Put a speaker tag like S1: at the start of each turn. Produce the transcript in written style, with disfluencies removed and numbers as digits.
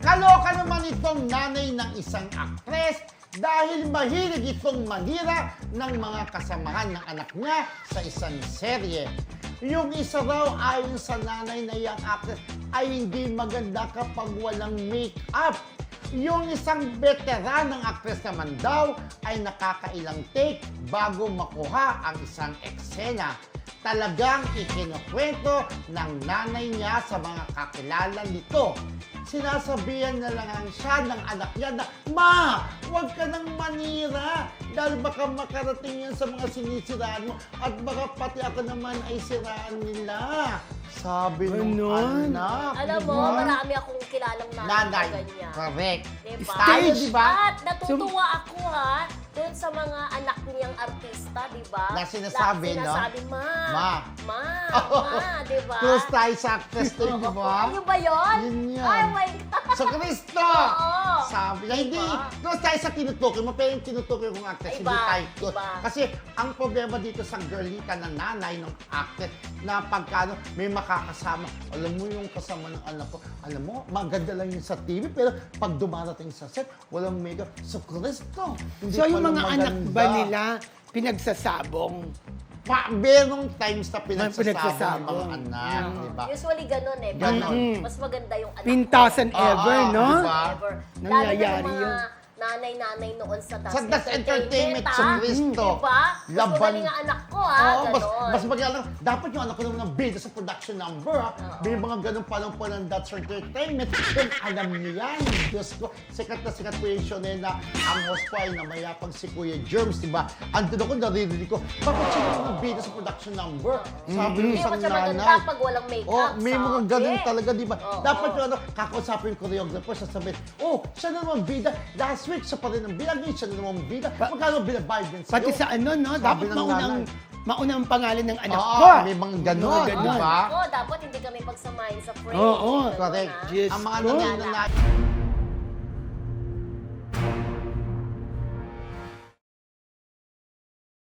S1: Kaloka naman itong nanay ng isang aktres dahil mahilig itong manira ng mga kasamahan ng anak niya sa isang serye. Yung isa raw ayon sa nanay na iyang actress ay hindi maganda kapag walang make-up. Yung isang veteran ng actress naman daw ay nakakailang take bago makuha ang isang eksena. Talagang ikinukwento ng nanay niya sa mga kakilala nito. Sinasabihan na lang siya ng anak niya na, "Ma, huwag ka nang manira dahil baka makarating yan sa mga sinisiraan mo at baka pati ako naman ay siraan nila." Sabi ng anak.
S2: Alam mo,
S1: diba?
S2: marami akong kilalang nanay na ganyan.
S1: Correct.
S2: Diba?
S1: Tayo, diba?
S2: At natutuwa ako doon sa mga anak niyang artista, di ba?
S1: Na sinasabi, no?
S2: Sinasabi, ma, di ba?
S1: Close tayo sa actress to, di ba?
S2: Ayun ba yun?
S1: Yun yan.
S2: Ay, my God.
S1: Sa Cristo!
S2: Oo.
S1: Sabi niya, hindi.
S2: Diba?
S1: Close tayo sa tinutukoy mo, pero yung tinutukoy kong actress,
S2: Iba,
S1: hindi tayo close.
S2: iba.
S1: Kasi ang problema dito sa girlita na nanay ng actress, na pagkano may makakasama, alam mo yung kasama ng anak ko, alam mo, maganda lang yun sa TV, pero pag dumarating sa set, walang makeup. Sa Cristo! Hindi
S3: So yung
S1: pala
S3: mga anak
S1: maganda.
S3: ba nila pinagsasabong?
S1: Merong times na pinagsasabong ng
S3: Pinagsasabong.
S1: mga anak, di ba?
S2: Usually ganun eh.
S1: Ganon.
S2: Mas maganda yung anak
S3: Pintasan
S2: ko.
S3: ever, no?
S1: diba?
S2: Ever. Lalo na
S3: Nangyayari
S2: yung mga
S3: yun.
S2: nanay-nanay noon sa Das
S1: Sa Das Entertainment,
S2: ha?
S1: sa Cristo.
S2: Diba? Mas
S1: Laban.
S2: magaling ang anak ko, ha?
S1: Oo,
S2: Ganon.
S1: mas magalang. Dapat yung anak ko naman ng bida sa production number, ha? May mga ganun pa lang po ng That's Entertainment. Then, alam niyo yan. Diyos ko, sikat po yung show na yun na ang host po ay namayapang si Kuya Germs, di ba? Andun ako, naririnig ko, bakit siya naman ng bida sa production number? Sabi ng
S2: Hindi
S1: isang
S2: pa siya maganda
S1: nanay.
S2: pag walang makeup.
S1: Oh, may mga ganun
S2: sabi.
S1: talaga, di ba?
S2: Oo.
S1: Dapat yung kakausapin yung choreographer, sasabihin, oh, siya na naman bida. Last week, siya pa rin ang bida. Ngayon, siya na naman bida. Magkano binabayad din sa'yo?
S3: Pati sa ano, no?
S1: Sabi
S3: Dapat
S1: ng
S3: maunang pangalan ng anak
S1: Oo,
S3: ko.
S1: may mga ganon,
S3: Mga
S1: di ba?
S2: Ako, dapat hindi kami pagsamahin sa frame.
S3: Oo,
S2: Ganun,
S1: Correct.
S2: ha?
S3: Diyos
S1: Ang mga
S3: ko.
S1: nangyayari